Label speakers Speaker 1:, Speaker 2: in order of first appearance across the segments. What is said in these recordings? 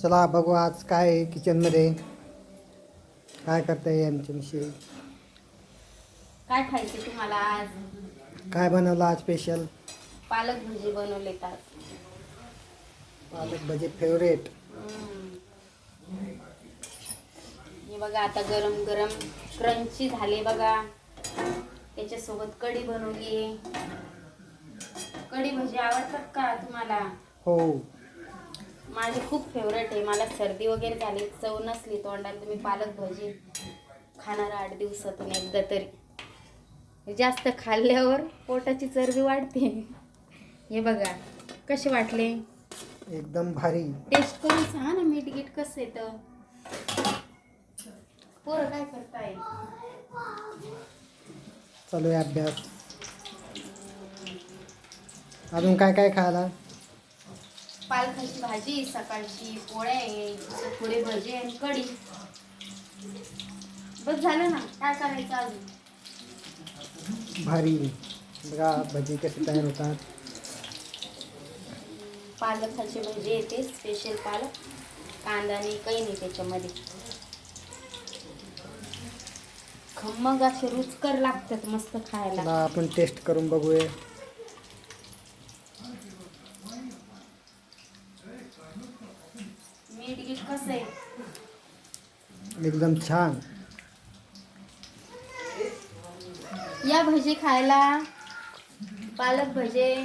Speaker 1: चला बघू आज काय आहे किचनमध्ये, काय करताय आमची मिशी,
Speaker 2: काय खायचे तुम्हाला आज?
Speaker 1: काय बनवलं आज स्पेशल?
Speaker 2: पालक भजी बनवले आज.
Speaker 1: पालक भजी फेवरेट.
Speaker 2: हे बघा आता गरम गरम क्रंची झाले बघा. त्याच्यासोबत कढी बनवली आहे. कढी भजी आवडतात का तुम्हाला?
Speaker 1: हो,
Speaker 2: माझी खूप फेवरेट आहे. मला सर्दी वगैरे झाली, चव नसली तोंडाला, तुम्ही पालक भजी खाणार 8 दिवसातून एकदा तरी. जास्त खाल्ल्यावर पोटाची चरबी वाढते. हे बघा कसे वाटले,
Speaker 1: एकदम भारी.
Speaker 2: टेस्ट करून सांगा ना मीठ गीठ कसं येतं. पोरं काय करताय?
Speaker 1: चालू आहे अभ्यास. अजून काय काय खायला?
Speaker 2: पालकाची भाजी, सकाळची पोळ्या आहे, थोडे भजी आणि कढी. बस झालं ना, काय करायचं अजून?
Speaker 1: भारी. बघा भजी कसे तयार होतात.
Speaker 2: पालकाची भजी येते स्पेशल, पालक कांदा आणि काही नाही त्याच्यामध्ये. खमंग असे रुचकर लागतात मस्त खायला.
Speaker 1: चला आपण टेस्ट करून बघूया.
Speaker 2: मीठ गीठ कसं आहे?
Speaker 1: एकदम छान.
Speaker 2: या भजी खायला, पालक भजे.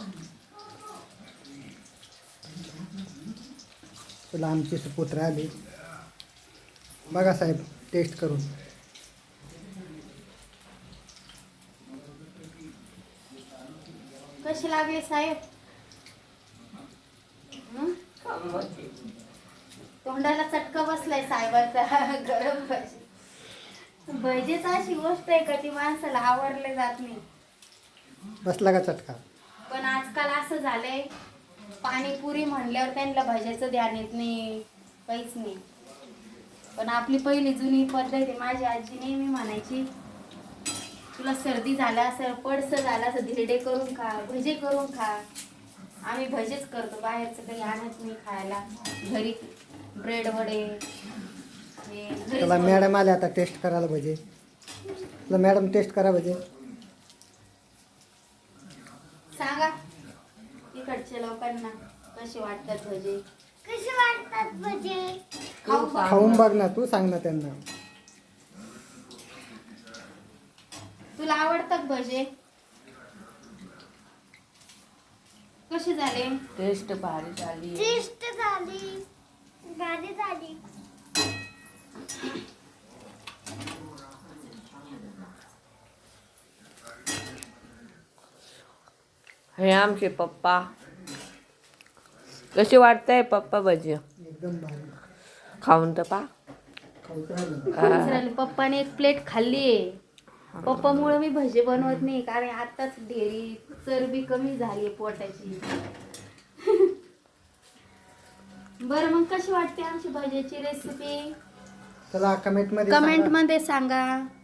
Speaker 1: चला आमची सुपुत्र आली. बघा साहेब टेस्ट करून.
Speaker 2: कसे लागले साहेब? हं? तोंडाला चटका बसलाय साहेबाचा. गरम भजी. भजीच अशी गोष्ट आहे का ती माणसाला आवडले जात नाही.
Speaker 1: बसला का चटका?
Speaker 2: पण आजकाल असं झालंय, पाणीपुरी म्हणल्यावर त्यांना भज्याचं ध्यान येत नाही, काहीच नाही. पण आपली पहिली जुनी पद्धत आहे. माझी आजी नेहमी म्हणायची, तुला सर्दी झाला असेल, पडसं झालं असं, धिरडे करून खा, भजे करून खा. आम्ही भजेच करतो, बाहेरचं काही आणत नाही खायला. घरी ब्रेड वडे हे घरीच
Speaker 1: चला
Speaker 2: बनवतो.
Speaker 1: मॅडम आले आता टेस्ट करायला भजे. चला मॅडम टेस्ट करा भजे.
Speaker 2: सांगा इकडच्या लोकांना कसे वाटतात भजे.
Speaker 3: कसे वाटतात भजे?
Speaker 1: खाऊन बघ ना, तू सांग ना त्यांना.
Speaker 2: तुला आवडतात भजे? कसे झाले?
Speaker 4: टेस्ट भारी झाली.
Speaker 3: टेस्ट झाली, भारी झाली.
Speaker 4: हे आमचे पप्पा. कसे वाटतंय पप्पा भजी?
Speaker 1: एकदम भारी.
Speaker 4: खाऊन तर पा.
Speaker 1: खाऊच राहिलं.
Speaker 2: झाले. पप्पाने एक प्लेट खाल्ली. पप्पामुळे मी भजे बनवत नाही, कारण आताच ढेरी चरबी कमी झाली पोटाची. बरं मग कशी वाटते आमची भज्याची रेसिपी?
Speaker 1: चला कमेंट मध्ये
Speaker 2: कमेंट
Speaker 1: सांगा.
Speaker 2: मध्ये सांगा.